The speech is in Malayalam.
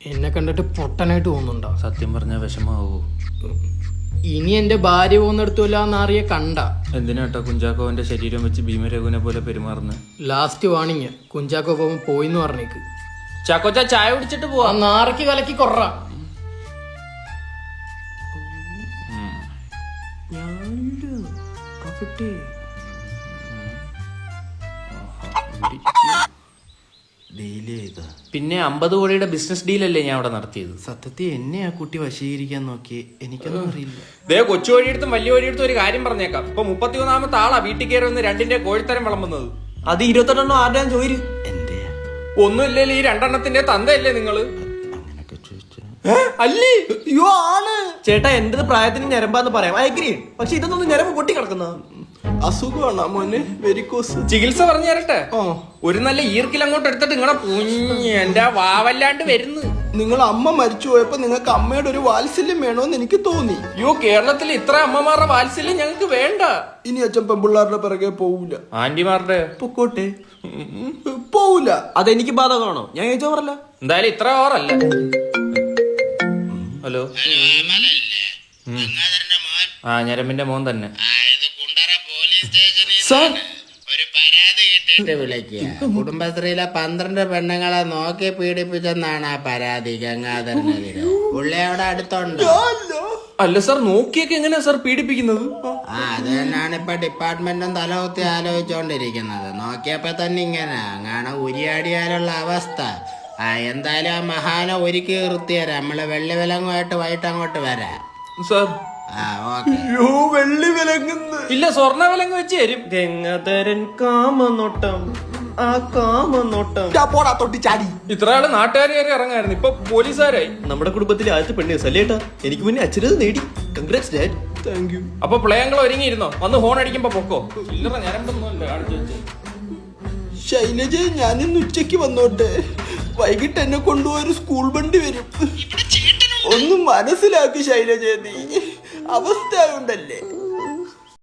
എന്നെ കണ്ടിട്ട് പൊട്ടനായിട്ട് തോന്നുന്നുണ്ടോ? സത്യം പറഞ്ഞ വിഷമാവോ? ഇനി എന്റെ ഭാര്യ പോകുന്നിടത്തുമില്ല എന്നറിയ കണ്ട. എന്തിനാട്ടോ കുഞ്ചാക്കോവന്റെ ശരീരം വെച്ച് ഭീമരഘുവിനെ പോലെ പെരുമാറുന്നത്? ലാസ്റ്റ് വാണിങ്, കുഞ്ചാക്കോ പോകുമ്പോ പോയിന്ന് പറഞ്ഞേക്ക്. ചാക്കോച്ച ചായ കുടിച്ചിട്ട് പോവാ. നാറയ്ക്ക് കലക്കി കൊറ. പിന്നെ 50 കോടിയുടെ ബിസിനസ് ഡീലല്ലേ ഞാൻ അവിടെ നടത്തിയത്. സത്യത്തിൽ എന്നെ ആ കുട്ടി വശീകരിക്കാൻ നോക്കി, എനിക്കൊന്നും അറിയില്ല. ദേ കൊച്ചു വഴിയെടുത്തും വലിയ വഴിയെടുത്തും ഒരു കാര്യം പറഞ്ഞേക്കാം. ഇപ്പൊ 31ാമത്തെ ആളാ വീട്ടിൽ കയറി വന്ന് 2ന്റെ കോഴിത്തരം വിളമ്പുന്നത്. അത് 28 ആരുടെയും ചോര് എന്റെ ഒന്നുമില്ലല്ലോ, ഈ 2 തന്തയല്ലേ നിങ്ങള്? അങ്ങനൊക്കെ ചോദിച്ചു അല്ലേ? അയ്യോ ആണ് ചേട്ടാ, എന്റേത് പ്രായത്തിന് ഞരമ്പാന്ന് പറയാം, അയഗ്രി. പക്ഷെ ഇതൊന്നും ഞരമ്പ് പൊട്ടി കിടക്കുന്ന അസുഖമാണ് മോനെ, വെരിക്കോസ്. ചികിത്സ പറഞ്ഞു തരട്ടെ? ഒരു നല്ല ഈർക്കിൽ അങ്ങോട്ട് എടുത്തിട്ട് നിങ്ങളെ എന്റെ വാവല്ലാണ്ട് വരുന്നു. നിങ്ങൾ അമ്മ മരിച്ചു പോയപ്പോ നിങ്ങൾക്ക് അമ്മയുടെ ഒരു വാത്സല്യം വേണോന്ന് എനിക്ക് തോന്നി. അയ്യോ, കേരളത്തിൽ ഇത്ര അമ്മമാരുടെ വാത്സല്യം ഞങ്ങൾക്ക് വേണ്ട. ഇനി അച്ഛൻ പെമ്പിള്ളാരുടെ പിറകെ പോവൂല. ആന്റിമാരുടെ പൊക്കോട്ടെ, പോവൂല. അതെനിക്ക് ബാധകമാണോ? ഞാൻ ചോദിച്ചോ പറല്ല. എന്തായാലും ഇത്ര ഓവറല്ല. ഹലോ, ആ ഞരമ്പിന്റെ മോൻ തന്നെ. കുടുംബശ്രീയിലെ 12 പെണ്ണുങ്ങളെ നോക്കി പീഡിപ്പിച്ചെന്നാണ് ആ പരാതി ഗംഗാധരനെതിരെ. പുള്ളി അവിടെ അടുത്തുണ്ട്. അല്ല സാർ, നോക്കിയൊക്കെ എങ്ങനെയാ സാർ പീഡിപ്പിക്കുന്നത്? അത് തന്നെയാണ് ഇപ്പൊ ഡിപ്പാർട്ട്മെന്റും തലകുത്തി ആലോചിച്ചോണ്ടിരിക്കുന്നത്. നോക്കിയപ്പോ തന്നെ ഇങ്ങനെ അങ്ങനെ ഉരിയാടിയാലുള്ള അവസ്ഥ. എന്തായാലും ആ മഹാനെ ഒരുക്കി നിർത്തിയരാം. നമ്മള് വെള്ളി വിലങ്ങുമായിട്ട് വൈകിട്ട് അങ്ങോട്ട് വരാം സാർ. വെള്ളി വിലങ്ങുന്നു ഇല്ല, സ്വർണ്ണ വിലങ്ങ് വെച്ച് തരും. ഗംഗാധരൻ കാമനോട്ടം, ആ കാമനോട്ടം പോടാ തൊട്ടി ചാടി. ഇത്ര ആള് നാട്ടുകാർ കയറി ഇറങ്ങായിരുന്നു, ഇപ്പൊ പോലീസുകാരായി. നമ്മുടെ കുടുംബത്തിലെ ആദ്യത്തെ പെണ്ണേ സല്ലേട്ടാ, എനിക്ക് മുന്നേ അച്ഛനത് നേടി. Congrats dad. Thank you. അപ്പൊ പ്ലേയങ്ങൾ ഒരുങ്ങിയിരുന്നോ? വന്ന് ഹോൺ അടിക്കുമ്പോ പൊക്കോ. ചില്ലറ ഞരമ്പൊന്നുമല്ല കാണിച്ചു വെച്ചേ. ശൈലജ, ഞാനിന്ന് ഉച്ചക്ക് വന്നോട്ടെ. വൈകിട്ട് എന്നെ കൊണ്ടുപോയൊരു സ്കൂൾ വണ്ടി വരും. ഒന്നും മനസ്സിലാക്കി ശൈലജ, നീ അവസ്ഥ ഉണ്ടല്ലേ.